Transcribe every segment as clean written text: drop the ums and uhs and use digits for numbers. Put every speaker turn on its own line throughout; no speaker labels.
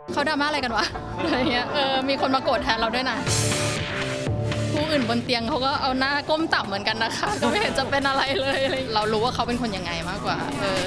เขาดราม่าอะไรกันวะอะไรเงี้ยมีคนมาโกรธแทนเราด้วยนะผู้อื่นบนเตียงเขาก็เอาหน้าก้มต่ำเหมือนกันนะคะก็ไม่เห็นจะเป็นอะไรเลยเรารู้ว่าเขาเป็นคนยังไงมากกว่า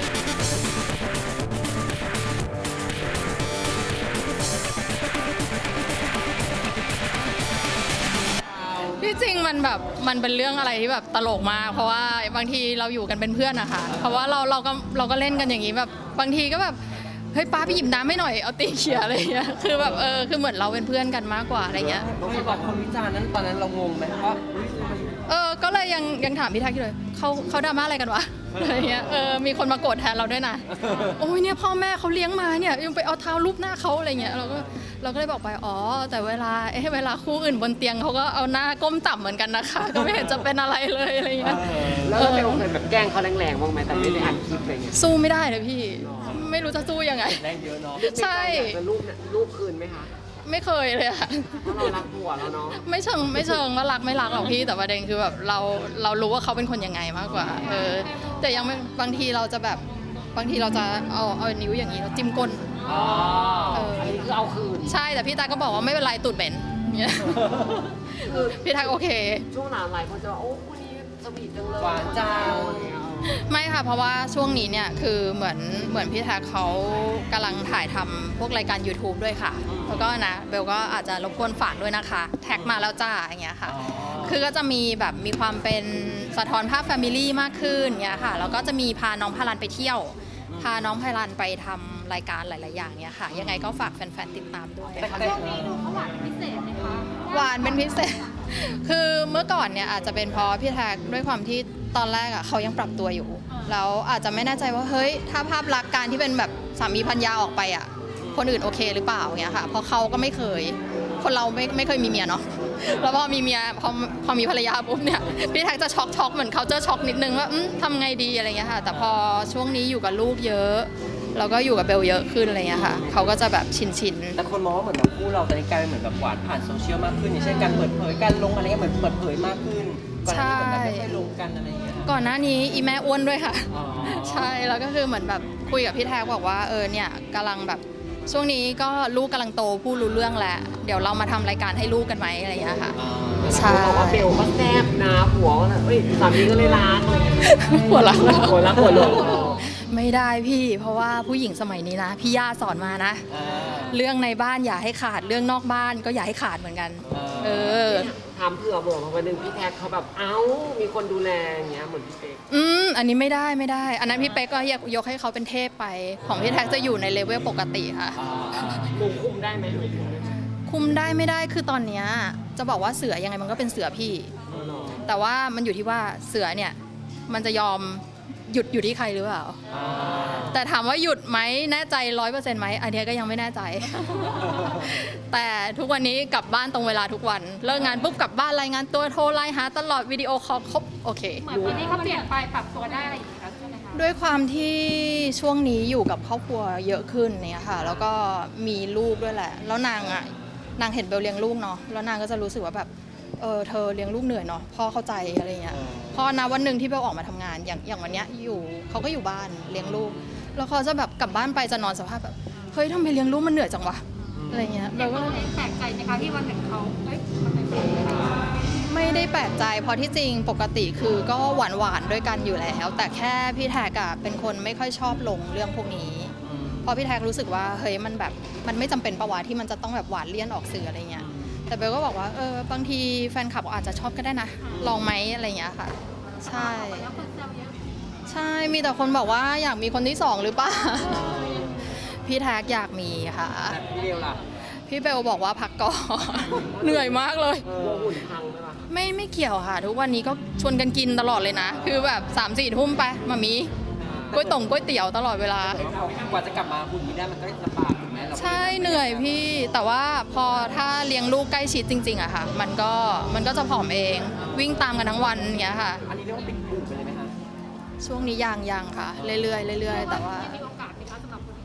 ที่จริงมันเป็นเรื่องอะไรที่แบบตลกมากเพราะว่าบางทีเราอยู่กันเป็นเพื่อนนะคะเพราะว่าเราก็เล่นกันอย่างนี้แบบบางทีก็แบบเฮ้ยป้าไปหยิบน้ำให้หน่อยเอาตีเขียอะไรเงี้ยคือแบบคือเหมือนเราเป็นเพื่อนกันมากกว่าอะไรเงี้ย
ไม่บอกคนวิจารณ์นั้นตอนนั้นเรางงไหมว่า
ก็เลยยังถามพี่ทักอยู่เลยเขาดราม่าอะไรกันวะอะไรเงี้ยมีคนมาโกรธแทนเราด้วยนะโอ้ยเนี่ยพ่อแม่เขาเลี้ยงมาเนี่ยยังไปเอาเท้าลูบหน้าเขาอะไรเงี้ยเราก็เลยบอกไปแต่เวลาคู่อื่นบนเตียงเขาก็เอาหน้าก้มต่ำเหมือนกันนะคะก็ไม่เห็นจะเป็นอะไรเลยอะไรเงี้ย
แล้วเราเคยแบบแกล้งเขาแรงๆบ้างไหมแต่ไม่ได้อัดคลิปอะไรเงี้ย
สู้ไม่ได้เลยพี่ไม่รู้จะสู้ยังไง
แรงเยอะเนาะ
ใช่
จะรูปคืนไหมคะ
ไม่เคยเลยค่ะ
เพราะเรารักผัวแล้วเนาะ
ไม่เชิงว่ารักไม่รักหรอกพี่แต่ประเด็นคือแบบเรารู้ว่าเขาเป็นคนยังไงมากกว่าแต่ยังไม่บางทีเราจะเอานิ้วอย่างนี้เราจิ้มก้น
อันนี้คือเอาคืน
ใช่แต่พี่ตาก็บอกว่าไม่เป็นไรตูดเหม็นเนี่ยพี่ตาโอเค
ช่วงหลังหลายคนจะว่าโอ้คนนี้สวีทจังเลย
หวานจัง
ไม่ค่ะเพราะว่าช่วงนี้เนี่ยคือเหมือนพี่แท็กเขากำลังถ่ายทำพวกรายการ YouTube ด้วยค่ะแล้วก็นะเบลก็อาจจะรบกวนฝากด้วยนะคะแท็กมาแล้วจ้าอย่างเงี้ยค่ะคือก็จะมีความเป็นสะท้อนภาพแฟมิลี่มากขึ้นเงี้ยค่ะแล้วก็จะมีพาน้องพารันไปเที่ยวพาน้องพารันไปทำรายการหลายๆอย่างเนี้ยค่ะยังไงก็ฝากแฟนๆติดตามด้วย
ช่วงนี้ดูเขาหวานเป็นพิเศษไหมคะ
หวานเป็นพิเศษคือเมื่อก่อนเนี่ยอาจจะเป็นเพราะพี่แท็กด้วยความที่ตอนแรกเขายังปรับตัวอยู่แล้วอาจจะไม่แน่ใจว่าเฮ้ยถ้าภาพลักษณ์การที่เป็นแบบสามีภรรยาออกไปคนอื่นโอเคหรือเปล่าเงี้ยค่ะเพราะเขาก็ไม่เคยคนเราไม่เคยมีเมียเนาะแล้วพอมีเมียพอมีภรรยาปุ๊บเนี่ยพี่แท็กจะช็อกเหมือนเขาจะช็อกนิดนึงว่าทำไงดีอะไรเงี้ยค่ะแต่พอช่วงนี้อยู่กับลูกเยอะแล้วก็อยู่กับเบลเยอะขึ้นอะไรเงี้ยค่ะเขาก็จะแบบชิน
แต่คนมองว่าเหมือนแบบคู่เราตอนนี้กลายเป็นเหมือนแบบหวานผ่านโซเชียลมากขึ้นอย่างเช่นการเปิดเผยการลงอะไรเงี้ยเหมือนเปิดเผยมากขึ้นก่อนหน้านี้เหมือนแบบไม่ค่อยลงกันอะไรเงี้ย
ก่อนหน้านี้อีแม่อ้วนด้วยค่ะใช่แล้วก็คือเหมือนแบบคุยกับพี่แท็กบอกว่าเนี่ยกำลังแบบช่วงนี้ก็ลูกกำลังโตพูดรู้เรื่องแล้วเดี๋ยวเรามาทำรายการให้ลูกกันไหมอะไรอย่างเงี้ยค่ะ
ใช่บอกว่าเบลก็แซ่บนะผัวสามีก็เลยรัก
หัวรัก
หัวหลง
ไม่ได้พี่เพราะว่าผู้หญิงสมัยนี้นะพี่ย่าสอนมานะเรื่องในบ้านอย่าให้ขาดเรื่องนอกบ้านก็อย่าให้ขาดเหมือนกัน
ถามเผื่อมาวันนึงพี่แท็กเขาแบบมีคนดูแลอย่างเงี้ยเหมือนพี่เป๊ก
อันนี้ไม่ได้อันนั้นพี่เป๊กก็ยกให้เขาเป็นเทพไปของพี่แท็กจะอยู่ในเลเวลปกติค่ะ
หนูคุมได้ไหม
คุมได้ไม่ได้คือตอนเนี้ยจะบอกว่าเสือยังไงมันก็เป็นเสือพี่แต่ว่ามันอยู่ที่ว่าเสือเนี่ยมันจะยอมหยุดอยู่ที่ใครหรือเปล่าแต่ถามว่าหยุดไหมแน่ใจ 100% ไหมอันนี้ก็ยังไม่แน่ใจแต่ทุกวันนี้กลับบ้านตรงเวลาทุกวันเลิกงานปุ๊บกลับบ้านรายงานตัวโทรไลน์หาตลอดวิดีโอคอลครบโอเค
เหมือนปีนี้เขาเปลี่ยนไปปรับตัวได้อะไรอย่างเงี้ยใช่ไหมคะ
ด้วยความที่ช่วงนี้อยู่กับครอบครัวเยอะขึ้นเนี่ยค่ะแล้วก็มีลูกด้วยแหละแล้วนางเห็นเบลเลี้ยงลูกเนาะแล้วนางก็จะรู้สึกว่าแบบเธอเลี้ยงลูกเหนื่อยเนาะพ่อเข้าใจอะไรเงี้ยพอนะวันหนึ่งที่เบลออกมาทำงานอย่างวันเนี้ยเขาก็อยู่บ้านเลี้ยงลูกแล้วเขาจะแบบกลับบ้านไปจะนอนสภาพแบบเฮ้ยทำไมเลี้ยงลูกมันเหนื่อยจังวะอะไรเงี้ย
เราก็แปลกใจนะคะที่วันหนึ่งเขามันเป็นแบบนี้
ไม่ได้แปลกใจเพราะที่จริงปกติคือก็หวานด้วยกันอยู่แล้วแต่แค่พี่แท็กเป็นคนไม่ค่อยชอบลงเรื่องพวกนี้เพราะพี่แท็กรู้สึกว่าเฮ้ยมันแบบมันไม่จำเป็นปะวะที่มันจะต้องแบบหวานเลี่ยนออกสื่ออะไรเงี้ยแต่เบลก็บอกว่าบางทีแฟนคลับอาจจะชอบก็ได้นะลองไหมอะไรอย่างเงี้ยค่ะใช่มีแต่คนบอกว่าอยากมีคนที่2หรือเปล่าพี่แท็กอยากมีค่ะ
พี่เบลล่ะ
พี่เบลบอกว่าพักก่อนเหนื่อยมากเลย
หุ่นพังไหมล่ะ
ไม่เกี่ยวค่ะทุกวันนี้ก็ชวนกันกินตลอดเลยนะคือแบบ 3-4 ทุ่มไปมามีก๋วยเตี๋ยวตลอดเวลาก
ว่าจะกลับมาหุ่นนี้ได้มันก็ลำบากถูกไหม
ใช่เหนื่อยพี่แต่ว่าพอถ้าเลี้ยงลูกใกล้ชิดจริงๆอะค่ะมันก็จะผอมเองวิ่งตามกันทั้งวันอย่างเงี้ยค่ะ
อันนี้เรียกว่าติดหุ่นไปเลยไหมคะ
ช่วงนี้ยังค่ะเรื่อยๆแต่ว่า
มีโอกาสไหมคะสำหรับคนที่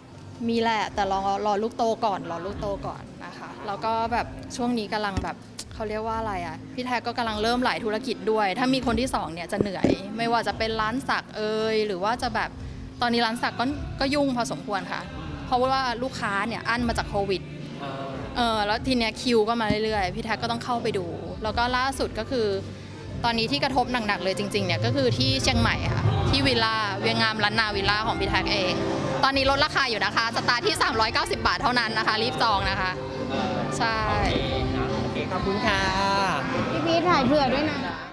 2
มีแหละแต่รอลูกโตก่อนนะคะแล้วก็แบบช่วงนี้กำลังแบบเขาเรียกว่าอะไรอ่ะพี่แท็กก็กำลังเริ่มหลายธุรกิจด้วยถ้ามีคนที่2เนี่ยจะเหนื่อยไม่ว่าจะเป็นร้านสักหรือว่าจะแบบตอนนี้ร้านสักก็ยุ่งพอสมควรค่ะเพราะว่าลูกค้าเนี่ยอั้นมาจากโควิด แล้วทีเนี้ยคิวก็มาเรื่อยๆพี่แท็กก็ต้องเข้าไปดูแล้วก็ล่าสุดก็คือตอนนี้ที่กระทบหนักๆเลยจริงๆเนี่ยก็คือที่เชียงใหม่ค่ะที่วิลล่าเวียงงามล้านนาวิลล่าของพี่แท็กเองตอนนี้ลดราคาอยู่นะคะสตาร์ทที่390 บาทเท่านั้นนะคะรีบจองนะคะใช่
โอเคขอบคุณค่ะ
พี่พีทถ่ายเผื่อด้วยนะ